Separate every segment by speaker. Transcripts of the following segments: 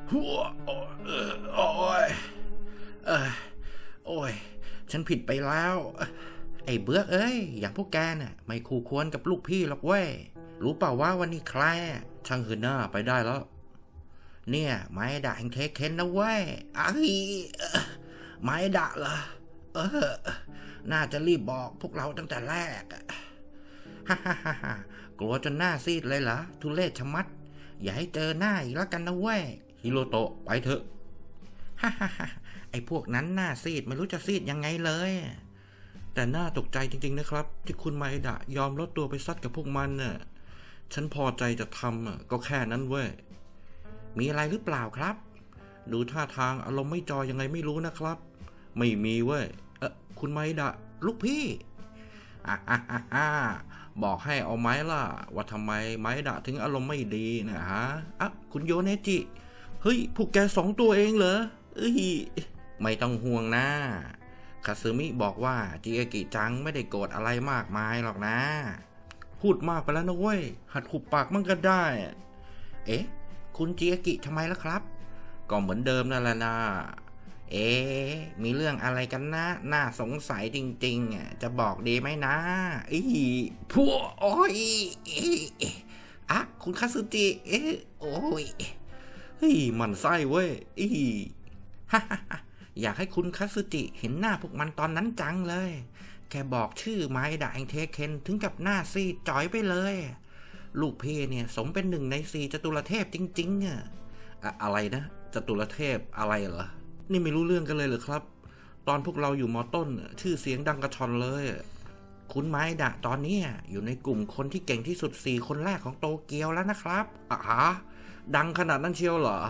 Speaker 1: หัวโอ้ยเออโอ้ยฉันผิดไปแล้วไอ้เบื้อกเอ้ยอย่างพวกแกน่ะไม่คู่ควรกับลูกพี่หรอกเว้ยรู้เปล่าว่าวันนี้ใครช่างหืนหน้าไปได้แล้วเนี่ยไม้ด่าแห่งเทคเคนนะเว้ยไม้ด่าเหรอน่าจะรีบบอกพวกเราตั้งแต่แรกฮ่าฮ่าฮ่าฮ่ากลัวจนหน้าซีดเลยเหรอทุเรศชะมัดอย่าให้เจอหน้าอีกแล้วกันนะเว้ยฮิโรโตะไปเถอะฮ่าฮ่าฮ่าไอ้พวกนั้นหน้าซีดไม่รู้จะซีดยังไงเลยแต่น่าตกใจจริงๆนะครับที่คุณไมดะยอมลดตัวไปซัดกับพวกมันน่ะฉันพอใจจะทำก็แค่นั้นเว้ยมีอะไรหรือเปล่าครับดูท่าทางอารมณ์ไม่จอยยังไงไม่รู้นะครับไม่มีเว้ยคุณไมดะลูกพี่บอกให้เอาไหมล่ะว่าทำไมไมดะถึงอารมณ์ไม่ดีนะฮะคุณโยเนจิเฮ้ยพวกแก2 ตัวเองเหรอไม่ต้องห่วงนะคาซึมิบอกว่าจิอากิจังไม่ได้โกรธอะไรมากมายหรอกนะพูดมากไปแล้วนะเว้ยหัดขุบปากมั่งก็ได้คุณจิอากิทำไมล่ะครับก็เหมือนเดิมนั่นแหละนะมีเรื่องอะไรกันนะน่าสงสัยจริงๆจะบอกดีไหมนะพวกโอ้ยคุณคาซึจิโอ้ยมันไส้เว้ยอยากให้คุณคาซึจิเห็นหน้าพวกมันตอนนั้นจังเลยแค่บอกชื่อไม้ด่างเทเคนถึงกับหน้าซีดจ่อยไปเลยลูกพี่เนี่ยสมเป็น1 ใน 4จตุรเทพจริงๆอะไรนะจตุรเทพอะไรเหรอนี่ไม่รู้เรื่องกันเลยเหรอครับตอนพวกเราอยู่ม.ต้นชื่อเสียงดังกระชอนเลยคุณไม้ดะตอนนี้อยู่ในกลุ่มคนที่เก่งที่สุด4 คนแรกของโตเกียวแล้วนะครับดังขนาดนั้นเชียวเหรอ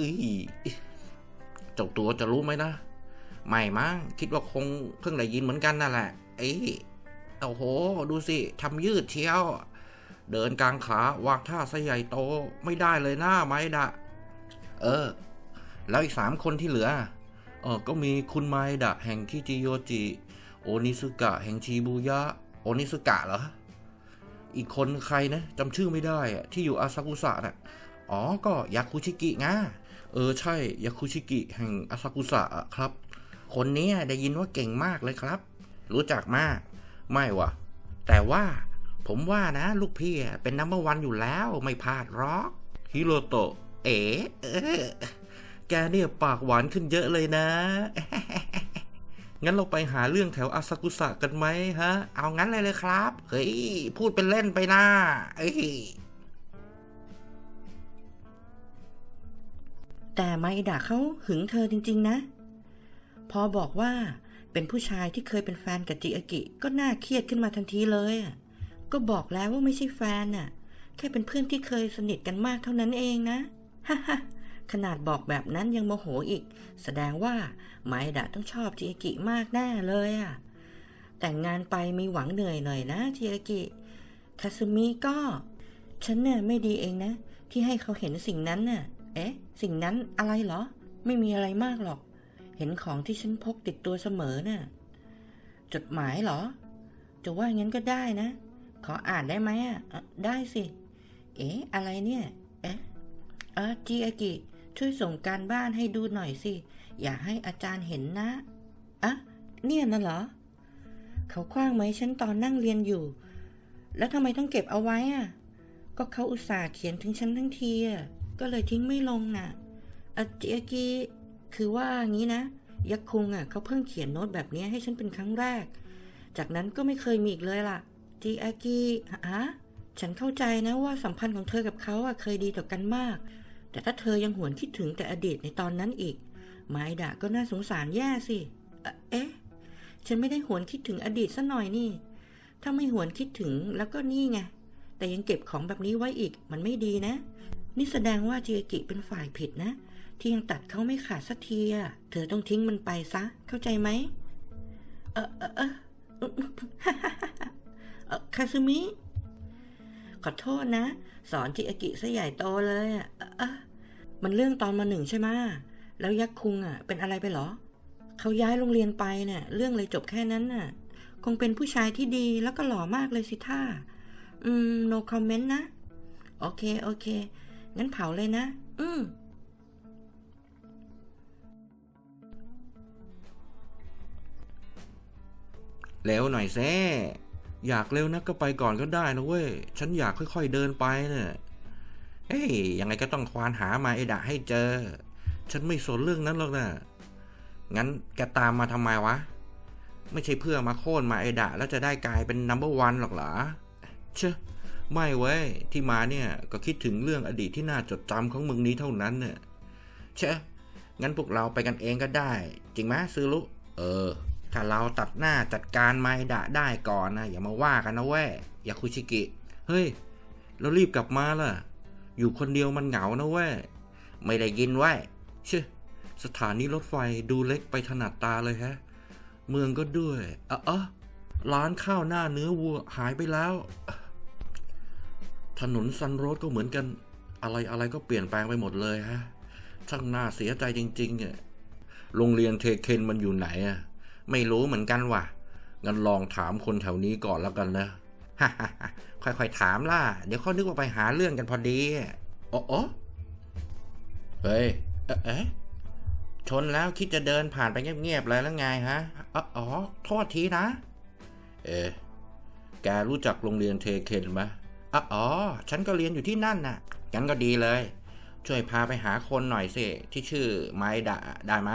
Speaker 1: เจ้าตัวจะรู้ไหมนะไม่มั้งคิดว่าคงเพิ่งได้ยินเหมือนกันนั่นแหละโอ้โหดูสิทำยืดเชียวเดินกลางขาวางท่าซะใหญ่โตไม่ได้เลยนะไม้ดะแล้วอีก3 คนที่เหลือก็มีคุณไมดะแห่งคิจิโยจิโอนิสึกะแห่งชิบูยะโอนิสึกะเหรออีกคนใครนะจำชื่อไม่ได้ที่อยู่อาซากุสะน่ะก็ยาคุชิกิไงใช่ยาคุชิกิแห่งอาซากุสะครับคนนี้ได้ยินว่าเก่งมากเลยครับรู้จักมากไม่วะแต่ว่าผมว่านะลูกพี่เป็นนัมเบอร์ 1อยู่แล้วไม่พลาดหรอกฮิโรโตะแกเนี่ยปากหวานขึ้นเยอะเลยนะ งั้นเราไปหาเรื่องแถวอาซากุสะกันไหมฮะเอางั้นเลยครับเฮ้ยพูดเป็นเล่นไปนะ
Speaker 2: แต่ไมดะเขาหึงเธอจริงๆนะพอบอกว่าเป็นผู้ชายที่เคยเป็นแฟนกับจิอากิก็น่าเครียดขึ้นมาทันทีเลยก็บอกแล้วว่าไม่ใช่แฟนแค่เป็นเพื่อนที่เคยสนิทกันมากเท่านั้นเองนะฮ่าขนาดบอกแบบนั้นยังโมโหอีกแสดงว่าไมดะต้องชอบจิอากิมากแน่เลยแต่งงานไปมีหวังเหนื่อยหน่อยนะจิอากิคาซึมิก็ฉันเนี่ยไม่ดีเองนะที่ให้เขาเห็นสิ่งนั้นสิ่งนั้นอะไรเหรอไม่มีอะไรมากหรอกเห็นของที่ฉันพกติดตัวเสมอจดหมายเหรอจะว่างั้นก็ได้นะขออ่านได้ไหมได้สิอะไรเนี่ยจิอากิช่วยส่งการบ้านให้ดูหน่อยสิอย่าให้อาจารย์เห็นนะเนี่ยน่ะเหรอเขาคว้างไหมฉันตอนนั่งเรียนอยู่แล้วทำไมต้องเก็บเอาไว้ก็เขาอุตส่าห์เขียนถึงฉันทั้งทีก็เลยทิ้งไม่ลงจิอากิคือว่างี้นะยักษ์คุงเขาเพิ่งเขียนโน้ตแบบนี้ให้ฉันเป็นครั้งแรกจากนั้นก็ไม่เคยมีอีกเลยล่ะจิอากิฉันเข้าใจนะว่าสัมพันธ์ของเธอกับเขาเคยดีต่อกันมากแต่ถ้าเธอยังหวนคิดถึงแต่อดีตในตอนนั้นอีกไมดะก็น่าสงสารแย่สิฉันไม่ได้หวนคิดถึงอดีตซะหน่อยนี่ถ้าไม่หวนคิดถึงแล้วก็นี่ไงแต่ยังเก็บของแบบนี้ไว้อีกมันไม่ดีนะนี่แสดงว่าจิอากิเป็นฝ่ายผิดนะที่ยังตัดเขาไม่ขาดสักทีเธอต้องทิ้งมันไปซะเข้าใจไหมคาซึมิขอโทษนะสอนจิอากิซะใหญ่โตเลยมันเรื่องตอนม.1ใช่ไหมแล้วยักษ์คุงเป็นอะไรไปหรอเขาย้ายโรงเรียนไปเรื่องเลยจบแค่นั้นคงเป็นผู้ชายที่ดีแล้วก็หล่อมากเลยสิท่าno comment นะโอเคงั้นเผาเลยนะ
Speaker 1: เร็วหน่อยเซ่อยากเร็วนักก็ไปก่อนก็ได้นะเว้ยฉันอยากค่อยๆเดินไปเนี่ยเฮ้ยยังไงก็ต้องควานหามาไอดะให้เจอฉันไม่สนเรื่องนั้นหรอกนะงั้นแกตามมาทำไมวะไม่ใช่เพื่อมาโค่นมาไอดะแล้วจะได้กลายเป็นนัมเบอร์วันหรอกเหรอเชอะไม่เว้ยที่มาเนี่ยก็คิดถึงเรื่องอดีตที่น่าจดจำของมึงนี้เท่านั้นเนี่ยเชอะงั้นพวกเราไปกันเองก็ได้จริงไหมซื้อลุถ้าเราตัดหน้าจัดการไมดะได้ก่อนนะอย่ามาว่ากันนะเว้ยยาคุชิกิเฮ้ยเรารีบกลับมาล่ะอยู่คนเดียวมันเหงานะเว้ยไม่ได้ยินไว้เชื่อสถานีรถไฟดูเล็กไปถนัดตาเลยฮะเมืองก็ด้วยร้านข้าวหน้าเนื้อวัวหายไปแล้วถนนซันโรดก็เหมือนกันอะไรก็เปลี่ยนแปลงไปหมดเลยฮะช่างน่าเสียใจจริงๆเนี่ยโรงเรียนเทเคนมันอยู่ไหนอ่ะไม่รู้เหมือนกันว่ะงั้นลองถามคนแถวนี้ก่อนแล้วกันนะค่อยๆถามล่ะเดี๋ยวเขานึกว่าไปหาเรื่องกันพอดีเฮ้ยชนแล้วคิดจะเดินผ่านไปเงียบๆเลยแล้วไงฮะโทษทีนะแกรู้จักโรงเรียนเทเคนไหมฉันก็เรียนอยู่ที่นั่นน่ะงั้นก็ดีเลยช่วยพาไปหาคนหน่อยสิที่ชื่อไมดะได้มา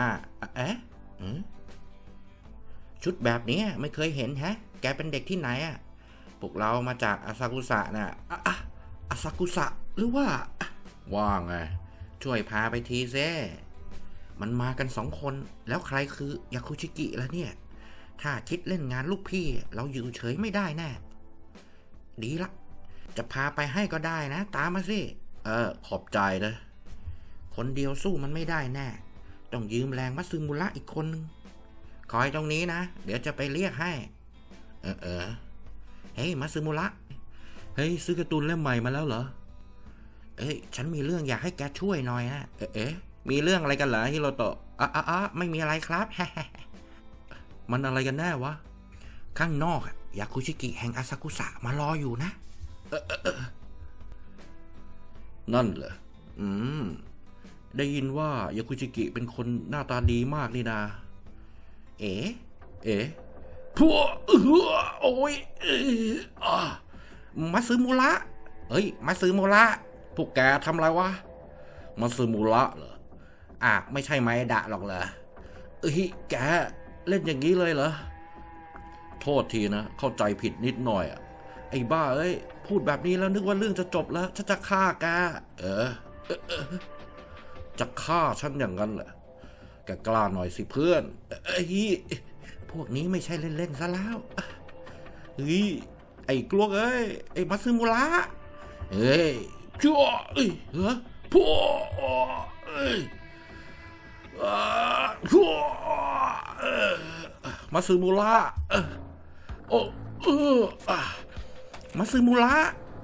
Speaker 1: ชุดแบบนี้ไม่เคยเห็นฮะแกเป็นเด็กที่ไหนอ่ะพวกเรามาจากอาซากุสะน่ะอาซากุสะหรือว่าไงช่วยพาไปทีเซ่มันมากัน2 คนแล้วใครคือยาคุชิกิล่ะเนี่ยถ้าคิดเล่นงานลูกพี่เราอยู่เฉยไม่ได้แน่ดีละจะพาไปให้ก็ได้นะตามมาสิขอบใจนะคนเดียวสู้มันไม่ได้แน่ต้องยืมแรงมัตสึมุระอีกคนนึงคอยตรงนี้นะเดี๋ยวจะไปเรียกให้เฮ้ยมัตสึมุระเฮ้ยซื้อการ์ตูนเล่มใหม่มาแล้วเหรอฉันมีเรื่องอยากให้แกช่วยหน่อยนะมีเรื่องอะไรกันเหรอฮิโรโตะไม่มีอะไรครับ มันอะไรกันแน่วะข้างนอกยาคุชิกิแห่งอาซากุสะมารออยู่นะนั่นเหรอได้ยินว่ายาคุชิกิเป็นคนหน้าตาดีมากนี่นาพวกโอ้ยมัตสึมุระมัตสึมุระพวกแกทำอะไรวะมัตสึมุระเหรอไม่ใช่ไมดะหรอกเหรอแกเล่นอย่างนี้เลยเหรอโทษทีนะเข้าใจผิดนิดหน่อยไอ้บ้าพูดแบบนี้แล้วนึกว่าเรื่องจะจบแล้วฉันจะฆ่าแกจะฆ่าฉันอย่างนั้นเหรอแกกล้าหน่อยสิเพื่อนพวกนี้ไม่ใช่เล่นๆซะแล้วไอ้กลวกไอ้มัตสึมุระชั่วพวกมัตสึมุระมัตสึมุระ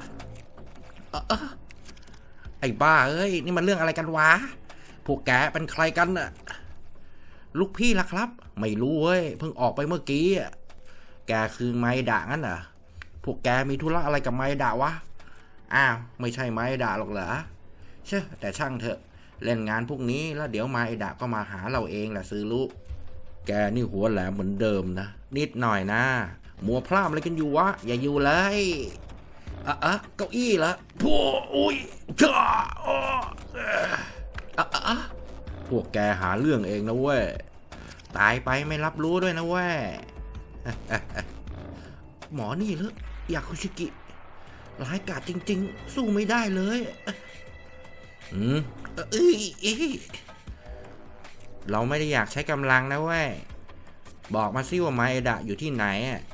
Speaker 1: ไอ้บ้านี่มันเรื่องอะไรกันวะพวกแกเป็นใครกันน่ะลูกพี่ล่ะครับไม่รู้เพิ่งออกไปเมื่อกี้แกคือไมดะงั้นเหรอพวกแกมีธุระอะไรกับไมดะวะไม่ใช่ไมดะหรอกเหรอเชื่อแต่ช่างเถอะเล่นงานพวกนี้แล้วเดี๋ยวไมดะก็มาหาเราเองแหละซื้อลูกแกนี่หัวแหลมเหมือนเดิมนะนิดหน่อยนะมัวพลาดอะไรกันอยู่วะอย่าอยู่เลยเก้าอี้ละพวกพวกแกหาเรื่องเองนะเว้ยตายไปไม่รับรู้ด้วยนะเว้ยหมอนี่เหรอยาคุชิกิร้ายกาจจริงๆสู้ไม่ได้เลยเราไม่ได้อยากใช้กำลังนะเว้ยบอกมาสิว่าไมดะอยู่ที่ไหน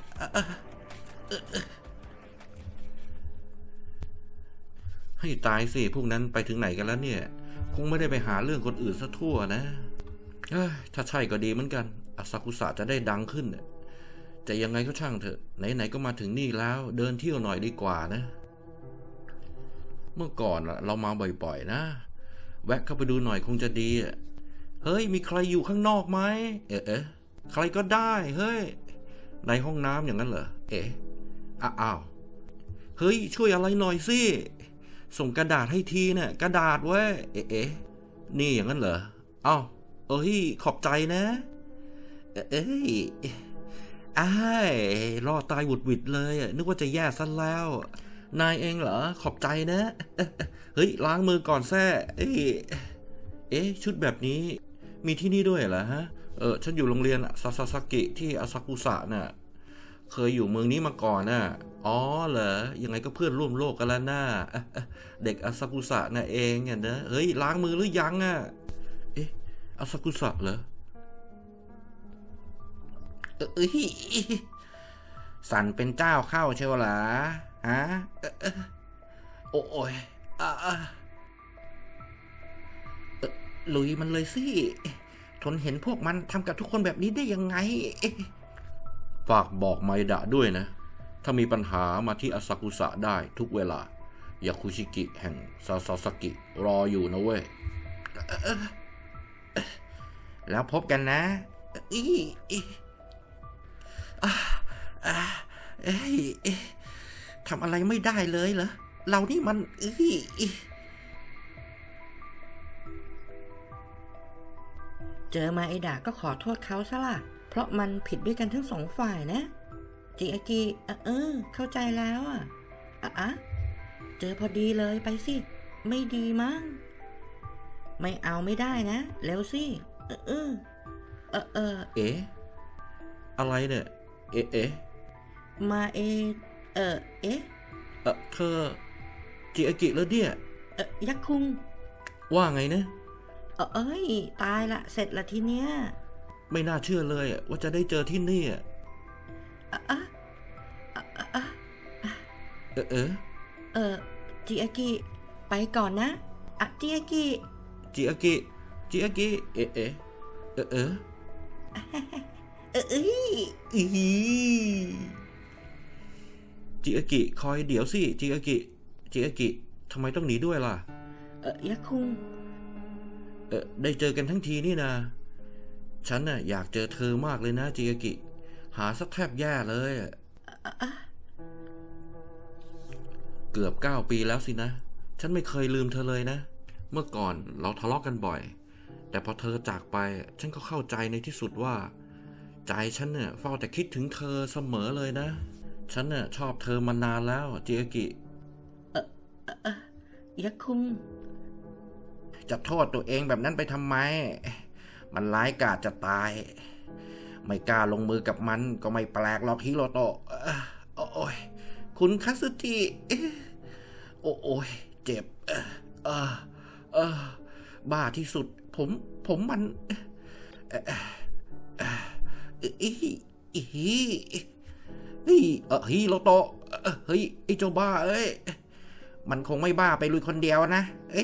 Speaker 1: ให้ตายสิพวกนั้นไปถึงไหนกันแล้วเนี่ยคงไม่ได้ไปหาเรื่องคนอื่นซะทั่วนะถ้าใช่ก็ดีเหมือนกันอาซากุสะจะได้ดังขึ้นแต่ยังไงก็ช่างเถอะไหนๆก็มาถึงนี่แล้วเดินเที่ยวหน่อยดีกว่านะเมื่อก่อนเรามาบ่อยๆนะแวะเข้าไปดูหน่อยคงจะดีเฮ้ยมีใครอยู่ข้างนอกไหมใครก็ได้เฮ้ยในห้องน้ำอย่างนั้นเหรออ้าวเฮ้ยช่วยอะไรหน่อยสิส่งกระดาษให้ทีเนี่ยกระดาษเว้ยนี่อย่างนั้นเหรอขอบใจนะอ้ายรอดตายหวุดหวิดเลยนึกว่าจะแย่ซะแล้ว นายเองเหรอขอบใจนะเฮ้ยล้างมือก่อนแซ่ชุดแบบนี้มีที่นี่ด้วยเหรอฮะฉันอยู่โรงเรียนซาซาซากิที่อาซากุสะน่ะเคยอยู่เมืองนี้มาก่อนน่ะอ๋อเหรอยังไงก็เพื่อนร่วมโลกกันแล้วน่าเด็กอาซากุสะน่ะเองเนี่ยนะเฮ้ยล้างมือหรือยังอาซากุสะเหรอสั่นเป็นเจ้าเข้าเชียวหรอฮะโอ้ยลุยมันเลยสิทนเห็นพวกมันทำกับทุกคนแบบนี้ได้ยังไงฝากบอกไมดะด้วยนะถ้ามีปัญหามาที่อาซากุสะได้ทุกเวลายาคุชิกิแห่งซาซาซากิรออยู่นะเว้ยแล้วพบกันนะทำอะไรไม่ได้เลยเหรอเรานี่มัน
Speaker 2: เจอมาไอดะก็ขอโทษเขาซะล่ะเพราะมันผิดด้วยกันทั้งสองฝ่ายนะจิอากิเข้าใจแล้วเจอพอดีเลยไปสิไม่ดีมั้งไม่เอาไม่ได้นะเร็วสิ
Speaker 1: อะไรเนี่ย
Speaker 2: มา
Speaker 1: เธอจิอากิแล้วเนี่ย
Speaker 2: ยักษ์คุง
Speaker 1: ว่าไงนะ
Speaker 2: ตายละเสร็จละทีเนี้ย
Speaker 1: ไม่น่าเชื่อเลยว่าจะได้เจอที่นี่
Speaker 2: จิอากิไปก่อนนะจิอากิ
Speaker 1: จิอากิคอยเดี๋ยวสิจิอากิทำไมต้องหนีด้วยล่ะ
Speaker 2: ยักษ์คุง
Speaker 1: ได้เจอกันทั้งทีนี่นะฉันน่ะอยากเจอเธอมากเลยนะจิอากิหาสักแทบแย่เลยเกือบ9 ปีแล้วสินะฉันไม่เคยลืมเธอเลยนะเมื่อก่อนเราทะเลาะกันบ่อยแต่พอเธอจากไปฉันก็เข้าใจในที่สุดว่าใจฉันเนี่ยเฝ้าแต่คิดถึงเธอเสมอเลยนะฉันเนี่ยชอบเธอมานานแล้วจิอากิ
Speaker 2: ยักษ์คุง
Speaker 1: จะโทษตัวเองแบบนั้นไปทำไมมันร้ายกาจจะตายไม่กล้าลงมือกับมันก็ไม่แปลกหรอกฮิโรโตะโอ้ยคุณคาสึจิโอ้ยเจ็บบ้าที่สุดผมมันฮิโรโตะเฮ้ยไอ้เจ้าบ้าเอ้ยมันคงไม่บ้าไปลุยคนเดียวนะ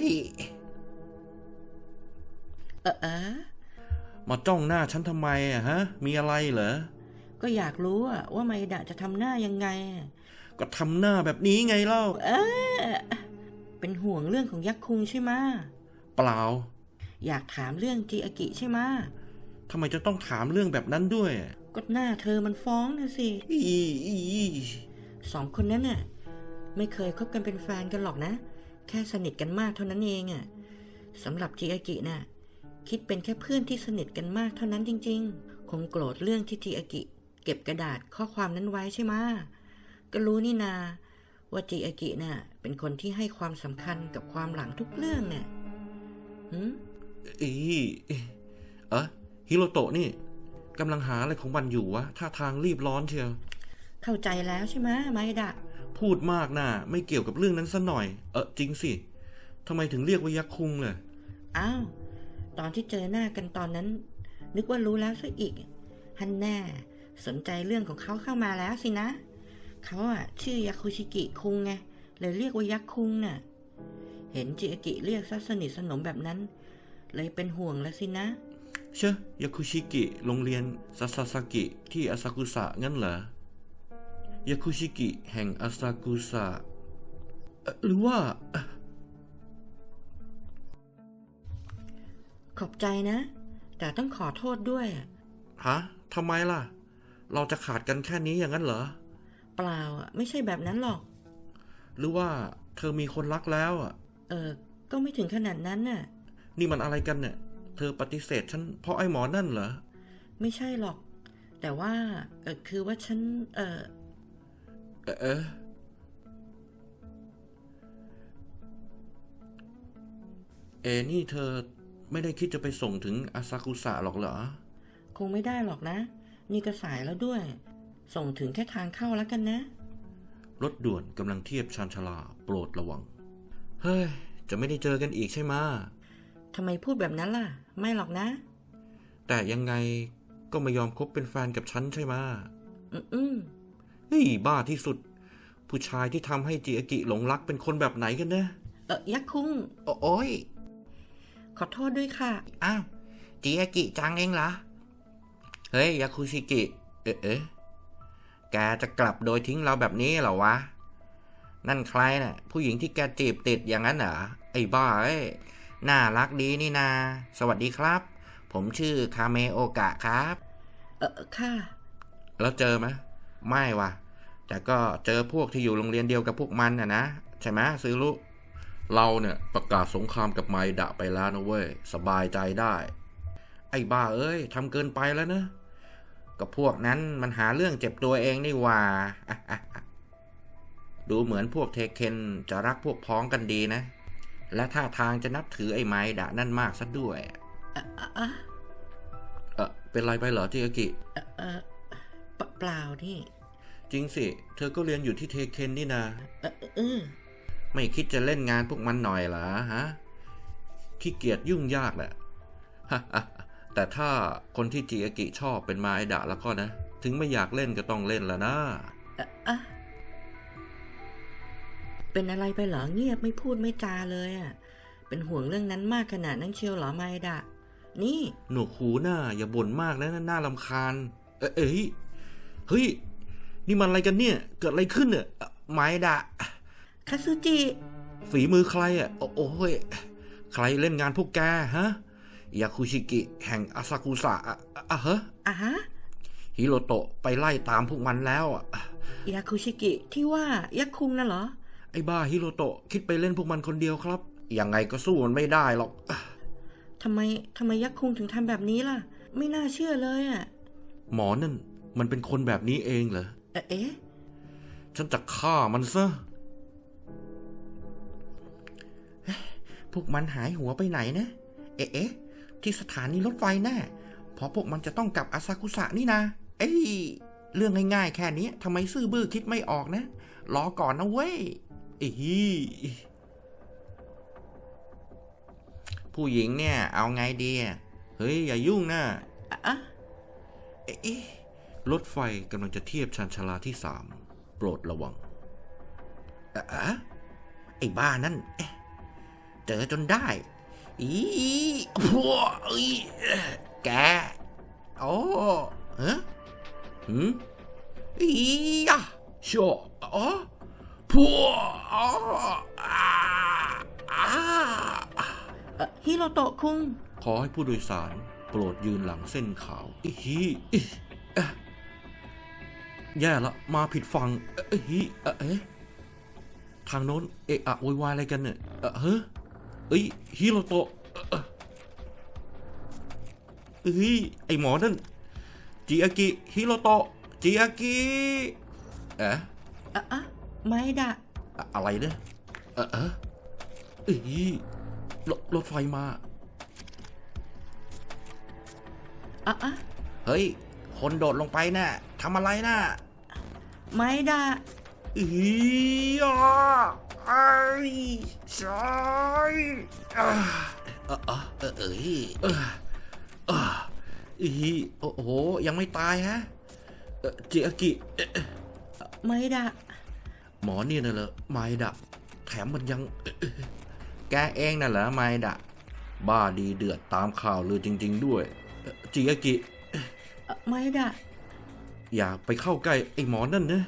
Speaker 1: มาจ้องหน้าฉันทำไมฮะมีอะไรเหรอ
Speaker 2: ก็อยากรู้ว่าไมดะจะทำหน้ายังไง
Speaker 1: ก็ทำหน้าแบบนี้ไงเล่า
Speaker 2: เป็นห่วงเรื่องของยักษ์คุงใช่ไหม
Speaker 1: เปล่า
Speaker 2: อยากถามเรื่องจิอากิใช่ไหม
Speaker 1: ทำไมจะต้องถามเรื่องแบบนั้นด้วย
Speaker 2: ก็หน้าเธอมันฟ้องนะสิ2 คนนั้นน่ะไม่เคยคบกันเป็นแฟนกันหรอกนะแค่สนิทกันมากเท่านั้นเองสำหรับจิอากิน่ะคิดเป็นแค่เพื่อนที่สนิทกันมากเท่านั้นจริงๆคงโกรธเรื่องที่จิอากิเก็บกระดาษข้อความนั้นไว้ใช่ไหมก็รู้นี่นาว่าจิอากิน่ะเป็นคนที่ให้ความสำคัญกับความหลังทุกเรื่องเนี่ย
Speaker 1: ฮิโรโตะนี่กำลังหาอะไรของมันอยู่วะท่าทางรีบร้อนเชียว
Speaker 2: เข้าใจแล้วใช่ไหมไมดะ
Speaker 1: พูดมากนะไม่เกี่ยวกับเรื่องนั้นซะหน่อยจริงสิทำไมถึงเรียกว่ายักษ์คุงเลย
Speaker 2: อ้าวตอนที่เจอหน้ากันตอนนั้นนึกว่ารู้แล้วซะอีกฮันแน่สนใจเรื่องของเขาเข้ามาแล้วสินะเขาชื่อยาคุชิกิคุงไงเลยเรียกว่ายักษ์คุงน่ะเห็นจิอากิเรียกซะสนิทสนมแบบนั้นเลยเป็นห่วงแล้วสินะ
Speaker 1: เชะยาคุชิกิโรงเรียนซาซาซากิที่อาซากุสะงั้นเหรอยาคุชิกิแห่งอาซากุสะหรือว่า
Speaker 2: ขอบใจนะแต่ต้องขอโทษด้วย
Speaker 1: ฮะทำไมล่ะเราจะขาดกันแค่นี้อย่างนั้นเหรอ
Speaker 2: เปล่าไม่ใช่แบบนั้นหรอก
Speaker 1: หรือว่าเธอมีคนรักแล้ว
Speaker 2: ก็ไม่ถึงขนาดนั้นน่ะ
Speaker 1: นี่มันอะไรกันเนี่ยเธอปฏิเสธฉันเพราะไอ้หมอนั่นเหรอ
Speaker 2: ไม่ใช่หรอกแต่ว่าคือว่าฉัน
Speaker 1: นี่เธอไม่ได้คิดจะไปส่งถึงอาซากุสะหรอกเหรอ
Speaker 2: คงไม่ได้หรอกนะ นี่ก็สายแล้วด้วย ส่งถึงแค่ทางเข้าแล้วกันนะ
Speaker 1: รถด่วนกำลังเทียบชานชาลาโปรดระวัง เฮ้ย จะไม่ได้เจอกันอีกใช่ไหม
Speaker 2: ทำไมพูดแบบนั้นล่ะ ไม่หรอกนะ
Speaker 1: แต่ยังไงก็ไม่ยอมคบเป็นแฟนกับฉันใช่ไหม เฮ้ยบ้าที่สุด ผู้ชายที่ทำให้จิอากิหลงรักเป็นคนแบบไหนกันนะ
Speaker 2: ยักษ์คุง
Speaker 1: โอ้ย
Speaker 2: ขอโทษด้วยค่ะ
Speaker 1: อ้าวจิอากิจังเองเหรอ เฮ้ยยาคุชิกิ แกจะกลับโดยทิ้งเราแบบนี้เหรอวะ นั่นใครน่ะ ผู้หญิงที่แกจีบติดอย่างนั้นเหรอ ไอ้บ้าเอ้ยน่ารักดีนี่นา สวัสดีครับ ผมชื่อคาเมโอกะครับ
Speaker 2: ค่ะ
Speaker 1: แล้วเจอไหมไม่วะแต่ก็เจอพวกที่อยู่โรงเรียนเดียวกับพวกมันนะใช่ไหมซื้อลุเราเนี่ยประกาศสงครามกับไมดะไปแล้วนะเว้ยสบายใจได้ ไอ้บ้าเอ้ยทำเกินไปแล้วนะกับพวกนั้นมันหาเรื่องเจ็บตัวเองนี่ว่า ดูเหมือนพวกเทเคนจะรักพวกพ้องกันดีนะและท่าทางจะนับถือไอ้ไมดะนั่นมากซะด้วยเป็นไรไปเหรอจิอากิ
Speaker 2: เปล่านี่
Speaker 1: จริงสิเธอก็เรียนอยู่ที่เทเคนนี่นะไม่คิดจะเล่นงานพวกมันหน่อยเหรอฮะขี้เกียจยุ่งยากแหละ แต่ถ้าคนที่จิอากิชอบเป็นมาไอดะแล้วก็นะถึงไม่อยากเล่นก็ต้องเล่นแล้วนะ
Speaker 2: เป็นอะไรไปเหรอเงียบไม่พูดไม่จาเลยอ่ะเป็นห่วงเรื่องนั้นมากขนาดนั้นเชียวเหรอมาไอดะนี่
Speaker 1: หนวกหูหน้าอย่าบ่นมากนะน่ารำคาญเฮ้ยนี่มันอะไรกันเนี่ยเกิดอะไรขึ้นเนี่ยไมดะ
Speaker 2: คาซูจิ
Speaker 1: ฝีมือใครอ่ะโอ้ยใครเล่นงานพวกแกฮะยาคุชิกิแห่งอาซากุสะฮะฮิโรโตะไปไล่ตามพวกมันแล้ว
Speaker 2: ยาคุชิกิที่ว่ายักษ์คุงน่ะเหรอ
Speaker 1: ไอ้บ้าฮิโรโตะคิดไปเล่นพวกมันคนเดียวครับยังไงก็สู้มันไม่ได้หรอก
Speaker 2: ทำไมยักษ์คุงถึงทำแบบนี้ล่ะไม่น่าเชื่อเลยอ่ะ
Speaker 1: หมอนั่นมันเป็นคนแบบนี้เองเหรอฉันจะฆ่ามันซะพวกมันหายหัวไปไหนนะที่สถานีรถไฟแน่เพราะพวกมันจะต้องกลับอาซากุสะนี่นะเรื่องง่ายๆแค่นี้ทำไมซื่อบื้อคิดไม่ออกนะรอก่อนนะเว้ยผู้หญิงเนี่ยเอาไงดีเฮ้ยอย่ายุ่งนะรถไฟกำลังจะเทียบชานชาลาที่3โปรดระวังไอ้บ้านั่นเจอจนได้พวกแกโอ้ชัวพวก
Speaker 2: ฮิโรโตะคุง
Speaker 1: ขอให้ผู้โดยสารโปรดยืนหลังเส้นขาวแย่ละมาผิดฝั่งทางโน้นโวยวายอะไรกันเนี่ยฮิโรโตะไอหมอนั่นจิอากิฮิโรโตะจิอากิ
Speaker 2: ไม่ดะ
Speaker 1: อะไรเนี่ยรถไฟมาเฮ้ยคนโดดลงไปน่ะทำอะไรน่ะ
Speaker 2: ไม่ดะ
Speaker 1: ใช่โอ้โหยังไม่ตายฮะจิอากิ
Speaker 2: ไม่ดะ
Speaker 1: หมอเนี่ยน่ะเหรอไมดะแถมมันยังแกเองน่ะเหรอไมดะบ้าดีเดือดตามข่าวลือจริงๆด้วยจิอากิ
Speaker 2: ไม่ดะ
Speaker 1: อย่าไปเข้าใกล้ไอ้หมอนั่นนะ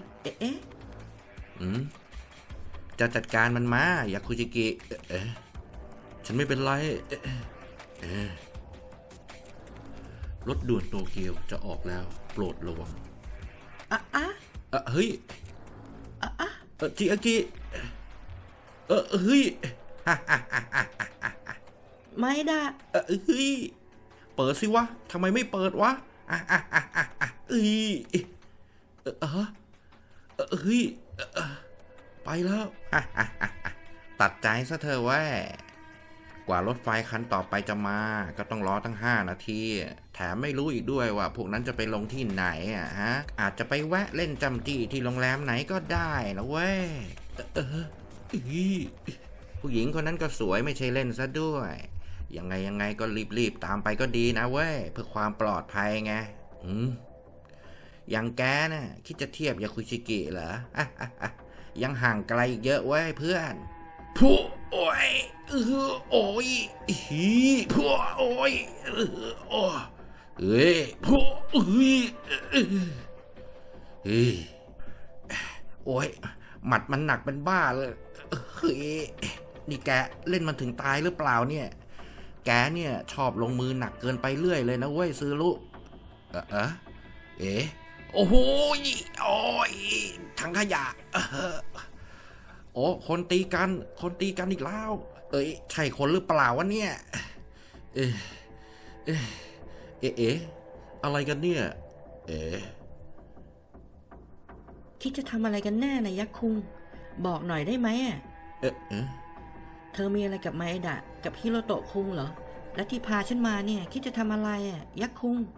Speaker 1: จะจัดการมันมาอยาคุจิกิฉันไม่เป็นไรรถด่วนโตเกียวจะออกแล้วโปรดระวังเฮ้ยจิอากิเฮ้ย
Speaker 2: ไม่ได้
Speaker 1: เฮ้ยเปิดสิวะทำไมไม่เปิดวะเอ้ยเฮ้ยไปแล้วตัดใจซะเธอเว้ยกว่ารถไฟคันต่อไปจะมาก็ต้องรอตั้ง5 นาทีแถมไม่รู้อีกด้วยว่าพวกนั้นจะไปลงที่ไหนฮะอาจจะไปแวะเล่นจำจี้ที่โรงแรมไหนก็ได้นะเว้ยผู้หญิงคนนั้นก็สวยไม่ใช่เล่นซะด้วยยังไงก็รีบตามไปก็ดีนะเว้ยเพื่อความปลอดภัยไงอย่างแกน่ะคิดจะเทียบยาคุชิกิเหรอยังห่างไกลอีกเยอะเว้ยเพื่อนผู้โอ้ยโอ้ยผู้โอ้ยผู้โอ้ยหมัดมันหนักเป็นบ้าเลยนี่แกเล่นมันถึงตายหรือเปล่าเนี่ยแกเนี่ยชอบลงมือหนักเกินไปเรื่อยเลยนะเว้ยซื้อลุโอ้โหโอ้ยถังขยะโอ้คนตีกันอีกแล้วใช่คนหรือเปล่าวะเนี่ยอะไรกันเนี่ย
Speaker 2: คิดจะทำอะไรกันแน่นะยักษ์คุงบอกหน่อยได้ไหมเธอมีอะไรกับไมเอดะกับฮิโรโตะคุงเหรอและที่พาฉันมาเนี่ยคิดจะทำอะไรยักษ์คุง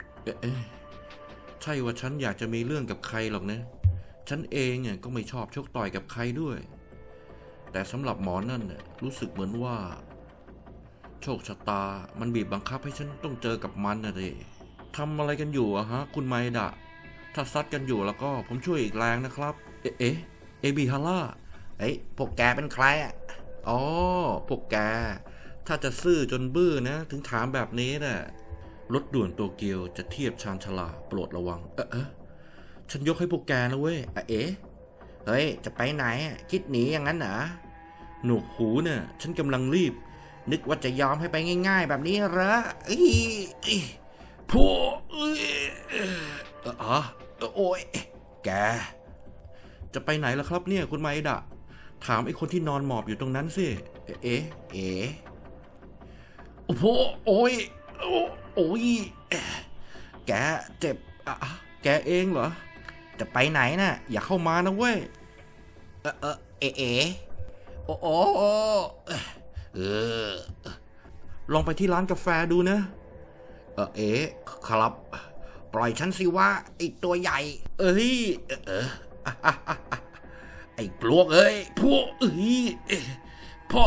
Speaker 1: ใช่ว่าฉันอยากจะมีเรื่องกับใครหรอกนะฉันเองก็ไม่ชอบชกต่อยกับใครด้วยแต่สำหรับหมอนั่นรู้สึกเหมือนว่าโชคชะตามันบีบบังคับให้ฉันต้องเจอกับมันนะดิทำอะไรกันอยู่ฮะคุณไมดะถ้าซัดกันอยู่แล้วก็ผมช่วยอีกแรงนะครับเอบิฮาร่าพวกแกเป็นใครอ๋อพวกแกถ้าจะซื่อจนบื้อนะถึงถามแบบนี้น่ะรถด่วนโตเกียวจะเทียบชานชาลาโปรดระวังฉันยกให้พวกแกนะเว้ยเฮ้ยจะไปไหนคิดหนีอย่างนั้นเหรอหนวกหูเนี่ยฉันกำลังรีบนึกว่าจะยอมให้ไปง่ายๆแบบนี้เหรอผู้โอ้ยแกจะไปไหนล่ะครับเนี่ยคุณไมดะถามไอ้คนที่นอนหมอบอยู่ตรงนั้นสิโอ้โหโอ้ยแกเจ็บแกเองเหรอจะไปไหนน่ะอย่าเข้ามานะเว้ยโอ้ลองไปที่ร้านกาแฟดูนะครับปล่อยฉันสิว่าไอ้ตัวใหญ่ไอ้ปลวกพวกพ่อ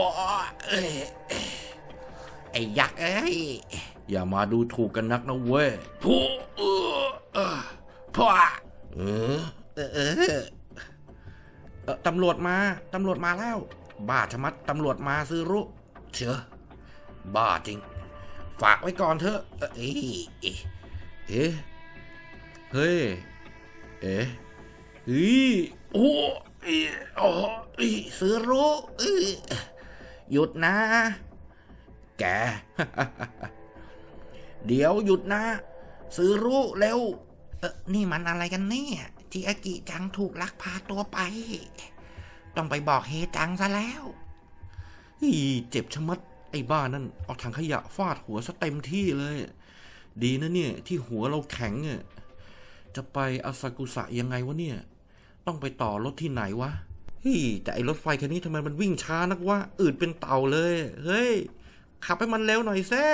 Speaker 1: ไอ้ยักษ์อย่ามาดูถูกกันนักนะเว้ยพ่อตำรวจมาแล้วบ้าชะมัดตำรวจมาซื้อรู้เชื่อบ้าจริงฝากไว้ก่อนเถอะเฮ้ยโอ้ซื้อรู้หยุดนะแก เดี๋ยวหยุดนะซื้อรู้เร็วนี่มันอะไรกันเนี่ยจิอากิจังถูกลักพาตัวไปต้องไปบอกเฮจังซะแล้วเจ็บชะมัดไอ้บ้านั่นเอาถังขยะฟาดหัวซะเต็มที่เลยดีนะเนี่ยที่หัวเราแข็งจะไปอาซากุสะยังไงวะเนี่ยต้องไปต่อรถที่ไหนวะแต่ไอ้รถไฟคันนี้ทำไมมันวิ่งช้านักวะอืดเป็นเต่าเลยเฮ้ยขับให้มันเร็วหน่อยแซ่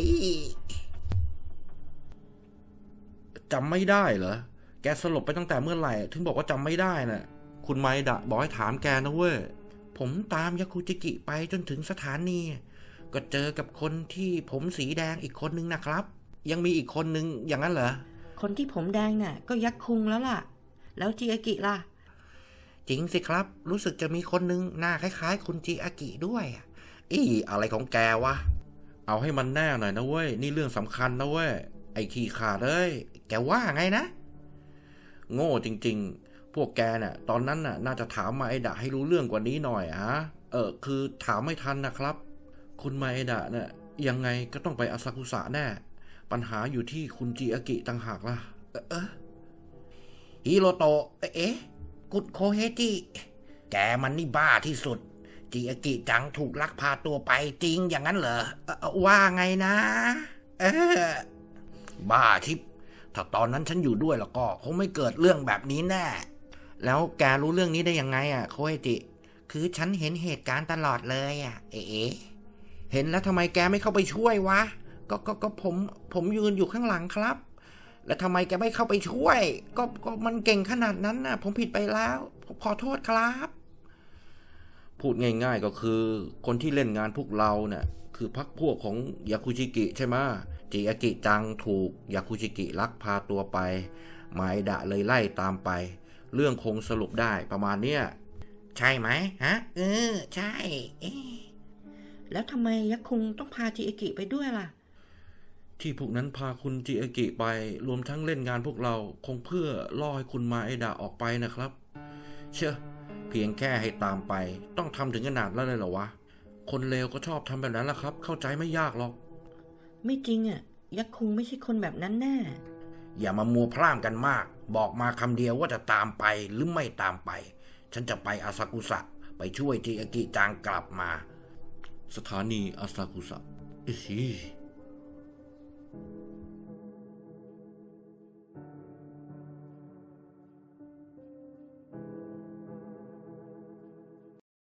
Speaker 1: จำไม่ได้เหรอแกสลบไปตั้งแต่เมื่อไหร่ถึงบอกว่าจำไม่ได้น่ะคุณไมดะบอกให้ถามแกนะเว้ยผมตามยาคุจิกิไปจนถึงสถานีก็เจอกับคนที่ผมสีแดงอีกคนนึงนะครับยังมีอีกคนนึงอย่างนั้นเหรอ
Speaker 2: คนที่ผมแดงน่ะก็ยักษ์คุงแล้วล่ะแล้วจิอากิล่ะ
Speaker 1: จริงสิครับรู้สึกจะมีคนนึงหน้าคล้ายๆคุณจิอากิด้วยอะไรของแกวะเอาให้มันแน่หน่อยนะเว้ยนี่เรื่องสำคัญนะเว้ยไอ้ขี้ขาดแกว่าไงนะโง่จริงๆพวกแกน่ะตอนนั้นน่ะน่าจะถามมาไอดะให้รู้เรื่องกว่านี้หน่อยคือถามไม่ทันนะครับคุณมาไอดะน่ะยังไงก็ต้องไปอาซากุสะแน่ปัญหาอยู่ที่คุณจิอากิต่างหากล่ะฮิโรโตะกุดโคเฮจิแกมันนี่บ้าที่สุดจิอากิจังถูกลักพาตัวไปจริงอย่างนั้นเหรอว่าไงนะบ้าทิพย์ถ้าตอนนั้นฉันอยู่ด้วยแล้วก็คงไม่เกิดเรื่องแบบนี้แน่ แล้วแกรู้เรื่องนี้ได้ยังไงอ่ะโคเอจิ คือฉันเห็นเหตุการณ์ตลอดเลยอ่ะ เอ๋เห็นแล้วทำไมแกไม่เข้าไปช่วยวะ ก็ผมยืนอยู่ข้างหลังครับ แล้วทำไมแกไม่เข้าไปช่วย ก็มันเก่งขนาดนั้นน่ะ ผมผิดไปแล้วผมขอโทษครับ พูดง่ายๆก็คือคนที่เล่นงานพวกเราเนี่ยคือพรรคพวกของยาคุชิกิใช่ไหมจิอากิจังถูกยาคุชิกิลักพาตัวไปไมดะเลยไล่ตามไป เรื่องคงสรุปได้ประมาณเนี้ยใช่ไหมฮะใช่
Speaker 2: แล้วทำไมยักษ์คุงต้องพาจิอากิไปด้วยล่ะ
Speaker 1: ที่พวกนั้นพาคุณจิอากิไปรวมทั้งเล่นงานพวกเราคงเพื่อล่อให้คุณมาไอดะออกไปนะครับเชื่อเพียงแค่ให้ตามไปต้องทำถึงขนาดนั้นเลยเหรอวะคนเลวก็ชอบทำแบบนั้นแหละครับเข้าใจไม่ยากหรอก
Speaker 2: ไม่จริงอ่ะยักษ์คุงไม่ใช่คนแบบนั้นแน่
Speaker 1: อย่ามามัวพร่ำกันมากบอกมาคำเดียวว่าจะตามไปหรือไม่ตามไปฉันจะไปอาซากุสะไปช่วยจิอากิจังกลับมาสถานีอาซากุสะ